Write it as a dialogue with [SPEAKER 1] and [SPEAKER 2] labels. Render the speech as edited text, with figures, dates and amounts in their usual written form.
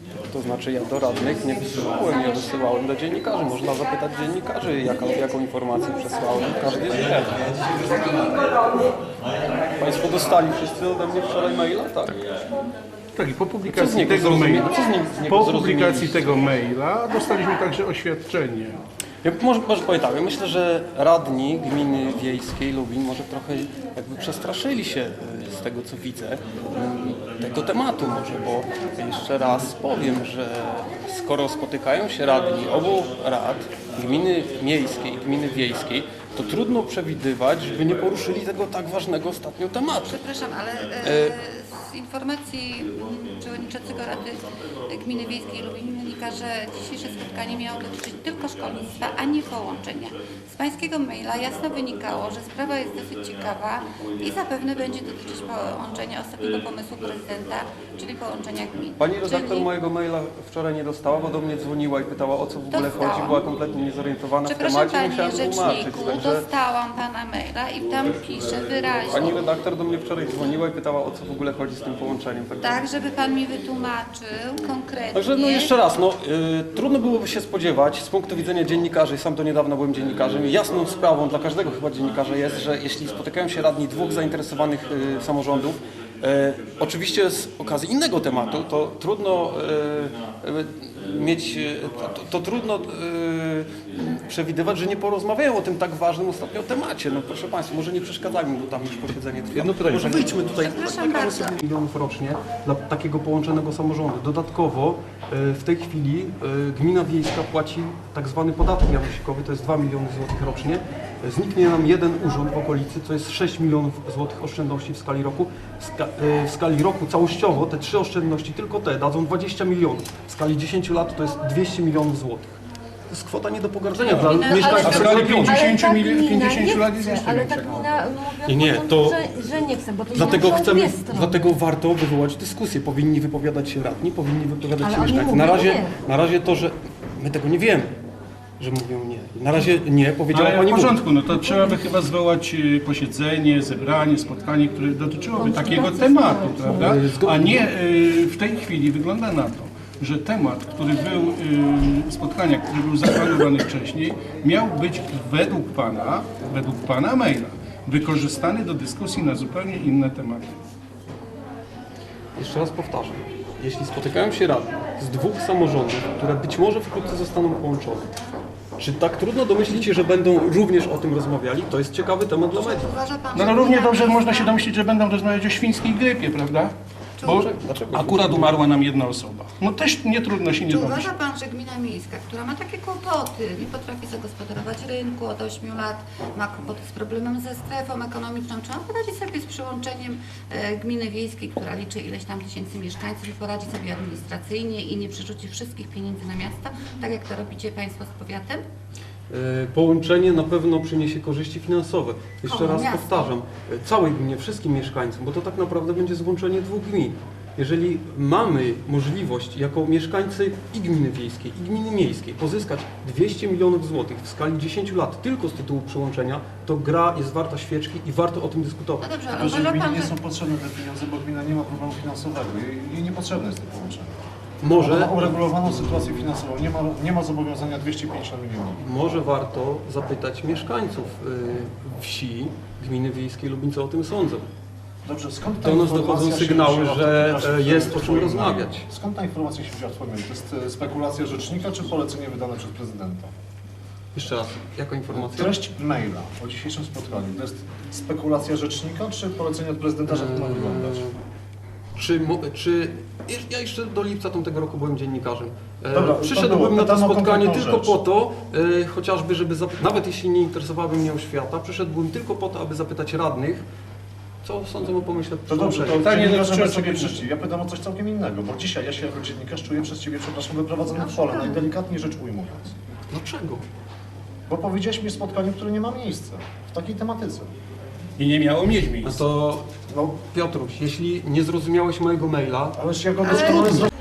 [SPEAKER 1] To znaczy ja do radnych nie wysyłałem, ja wysyłałem do dziennikarzy. Można zapytać dziennikarzy, jaką informację przesłałem. Każdy wie. Państwo dostali wszyscy ode mnie wczoraj maila, tak?
[SPEAKER 2] Tak, i po
[SPEAKER 1] Co z
[SPEAKER 2] publikacji
[SPEAKER 1] niego
[SPEAKER 2] tego maila,
[SPEAKER 1] zrozumieli? Co z niego
[SPEAKER 2] po
[SPEAKER 1] zrozumieliście?
[SPEAKER 2] publikacji tego maila dostaliśmy także oświadczenie.
[SPEAKER 1] Ja może powiem tak, ja myślę, że radni gminy wiejskiej Lubin może trochę jakby przestraszyli się z tego, co widzę, tego tematu może, bo jeszcze raz powiem, że skoro spotykają się radni obu rad, gminy miejskiej i gminy wiejskiej, to trudno przewidywać, żeby nie poruszyli tego tak ważnego ostatnio tematu.
[SPEAKER 3] Przepraszam, ale z informacji przewodniczącego Rady Gminy Wiejskiej Lubin wynika, że dzisiejsze spotkanie miało dotyczyć tylko szkolnictwa, a nie połączenia. Z pańskiego maila jasno wynikało, że sprawa jest dosyć ciekawa i zapewne będzie dotyczyć połączenia ostatniego pomysłu prezydenta, czyli połączenia gmin.
[SPEAKER 1] Pani redaktor
[SPEAKER 3] Czyli...
[SPEAKER 1] mojego maila wczoraj nie dostała, bo do mnie dzwoniła i pytała, o co w ogóle
[SPEAKER 3] Dostałam.
[SPEAKER 1] chodzi. Była kompletnie niezorientowana w
[SPEAKER 3] Przepraszam
[SPEAKER 1] temacie, musiałem
[SPEAKER 3] Panie
[SPEAKER 1] tłumaczyć.
[SPEAKER 3] Rzeczniku,
[SPEAKER 1] Także
[SPEAKER 3] dostałam Pana maila i tam pisze wyraźnie.
[SPEAKER 1] pani redaktor do mnie wczoraj dzwoniła i pytała, o co w ogóle chodzi z tym połączeniem.
[SPEAKER 3] Tak, żeby Pan mi wytłumaczył konkretnie.
[SPEAKER 1] Także no jeszcze raz, trudno byłoby się spodziewać z punktu widzenia dziennikarzy, sam do niedawna byłem dziennikarzem i jasną sprawą dla każdego chyba dziennikarza jest, że jeśli spotykają się radni dwóch zainteresowanych samorządów, oczywiście z okazji innego tematu, to trudno mieć, to trudno przewidywać, że nie porozmawiają o tym tak ważnym ostatnio temacie. No proszę Państwa, może nie przeszkadzajmy, bo tam już posiedzenie trwa.
[SPEAKER 2] Jedno pytanie.
[SPEAKER 1] Może wyjdźmy tutaj,
[SPEAKER 3] Przepraszam
[SPEAKER 1] nagramy
[SPEAKER 3] bardzo.
[SPEAKER 1] sobie milionów rocznie dla takiego połączonego samorządu. Dodatkowo w tej chwili gmina wiejska płaci tak zwany podatek janosikowy, to jest 2 miliony złotych rocznie. Zniknie nam jeden urząd w okolicy, to jest 6 milionów złotych oszczędności w skali roku. W skali roku całościowo te trzy oszczędności, tylko te, dadzą 20 milionów. W skali 10 lat to jest 200 milionów złotych. To jest kwota nie do pogardzenia dla mieszkańców
[SPEAKER 2] A w skali
[SPEAKER 1] regionu.
[SPEAKER 2] 50
[SPEAKER 4] Ale ta gmina
[SPEAKER 2] 50
[SPEAKER 4] nie
[SPEAKER 2] lat jest
[SPEAKER 4] chce,
[SPEAKER 2] jeszcze
[SPEAKER 4] ale
[SPEAKER 2] większa.
[SPEAKER 4] ta gmina mówi
[SPEAKER 1] Nie,
[SPEAKER 4] od
[SPEAKER 1] to-
[SPEAKER 4] początku, że nie chce, bo to
[SPEAKER 1] Dlatego
[SPEAKER 4] są
[SPEAKER 1] chcemy,
[SPEAKER 4] dwie strony.
[SPEAKER 1] dlatego warto wywołać dyskusję. Powinni wypowiadać się radni, powinni wypowiadać
[SPEAKER 4] Ale
[SPEAKER 1] się
[SPEAKER 4] oni
[SPEAKER 1] mieszkańcy.
[SPEAKER 4] mówią
[SPEAKER 1] Na razie to, że my tego nie wiemy, że mówią nie. Na razie nie, powiedziała
[SPEAKER 2] Ale w
[SPEAKER 1] pani
[SPEAKER 2] porządku, no to trzeba by chyba zwołać posiedzenie, zebranie, spotkanie, które dotyczyłoby takiego tematu, prawda? A nie w tej chwili wygląda na to, że temat, który był, spotkania, który był zaplanowany wcześniej, miał być według pana maila, wykorzystany do dyskusji na zupełnie inne tematy.
[SPEAKER 1] Jeszcze raz powtarzam. Jeśli spotykają się radni z dwóch samorządów, które być może wkrótce zostaną połączone, czy tak trudno domyślić się, że będą również o tym rozmawiali? To jest ciekawy temat dla mediów.
[SPEAKER 3] Uważa Pan,
[SPEAKER 2] No,
[SPEAKER 3] że
[SPEAKER 2] no równie
[SPEAKER 3] gmina
[SPEAKER 2] dobrze
[SPEAKER 3] wiejska-
[SPEAKER 2] można się domyślić, że będą rozmawiać o świńskiej grypie, prawda? Bo
[SPEAKER 1] Dlaczego?
[SPEAKER 2] akurat umarła nam jedna osoba. No też nie trudno się nie
[SPEAKER 3] Czy
[SPEAKER 2] domyślić.
[SPEAKER 3] uważa Pan, że gmina miejska, która ma takie kłopoty, nie potrafi zagospodarować rynku od 8 lat, ma kłopoty z problemem ze strefą ekonomiczną, czy on poradzi sobie z przyłączeniem gminy wiejskiej, która liczy ileś tam tysięcy mieszkańców i poradzi sobie administracyjnie i nie przerzuci wszystkich pieniędzy na miasta, tak jak to robicie Państwo z powiatem?
[SPEAKER 1] Połączenie na pewno przyniesie korzyści finansowe. Jeszcze
[SPEAKER 3] Komu?
[SPEAKER 1] raz
[SPEAKER 3] Miastu.
[SPEAKER 1] powtarzam, całej gminie, wszystkim mieszkańcom, bo to tak naprawdę będzie złączenie dwóch gmin. Jeżeli mamy możliwość jako mieszkańcy i gminy wiejskiej, i gminy miejskiej pozyskać 200 milionów złotych w skali 10 lat tylko z tytułu przyłączenia, to gra jest warta świeczki i warto o tym dyskutować.
[SPEAKER 3] No dobrze, ale
[SPEAKER 5] Tylko, że
[SPEAKER 3] uważa
[SPEAKER 5] gminie
[SPEAKER 3] Pan,
[SPEAKER 5] nie
[SPEAKER 3] że...
[SPEAKER 5] są potrzebne te pieniądze, bo gmina nie ma problemu finansowego. Jej niepotrzebne jest to połączenie. Ona
[SPEAKER 1] Może,
[SPEAKER 5] ma uregulowaną sytuację finansową, nie ma zobowiązania 250 milionów.
[SPEAKER 1] może warto zapytać mieszkańców wsi gminy wiejskiej Lubin, co o tym sądzą.
[SPEAKER 5] Dobrze, skąd ta
[SPEAKER 1] Do nas
[SPEAKER 5] informacja
[SPEAKER 1] dochodzą
[SPEAKER 5] się
[SPEAKER 1] sygnały,
[SPEAKER 5] wzięła
[SPEAKER 1] że
[SPEAKER 5] w
[SPEAKER 1] jest o czym
[SPEAKER 5] twoim
[SPEAKER 1] rozmawiać.
[SPEAKER 5] mailu? Skąd ta informacja się wzięła w Twoim mailu? To jest spekulacja rzecznika czy polecenie wydane przez prezydenta?
[SPEAKER 1] Jeszcze raz, jaka informacja?
[SPEAKER 5] Treść maila o dzisiejszym spotkaniu to jest spekulacja rzecznika czy polecenie od prezydenta, że to ma wyglądać?
[SPEAKER 1] Ja jeszcze do lipca tamtego roku byłem dziennikarzem.
[SPEAKER 5] Dobra,
[SPEAKER 1] Przyszedłbym na to
[SPEAKER 5] pytano o
[SPEAKER 1] spotkanie
[SPEAKER 5] konkretną
[SPEAKER 1] tylko
[SPEAKER 5] rzecz.
[SPEAKER 1] po to, chociażby, żeby nawet jeśli nie interesowałaby mnie oświata, przyszedłbym tylko po to, aby zapytać radnych, co sądzą o pomyśle
[SPEAKER 5] To dobrze, to
[SPEAKER 1] przyłączenia.
[SPEAKER 5] dziennikarze
[SPEAKER 2] dotyczy
[SPEAKER 5] bez sobie
[SPEAKER 2] osobistego.
[SPEAKER 5] przyszli. Ja pytam o coś całkiem innego, bo dzisiaj ja się jako dziennikarz czuję przez Ciebie, przepraszam, wyprowadzony w pole, najdelikatniej rzecz ujmując.
[SPEAKER 1] Dlaczego?
[SPEAKER 5] Bo powiedziałeś mi o spotkaniu, które nie ma miejsca w takiej tematyce.
[SPEAKER 2] I nie miało mieć
[SPEAKER 1] No
[SPEAKER 2] miejsca.
[SPEAKER 1] to
[SPEAKER 5] No,
[SPEAKER 1] Piotruś, jeśli nie zrozumiałeś mojego maila,
[SPEAKER 5] ależ ja go doskonale zrozumiałem.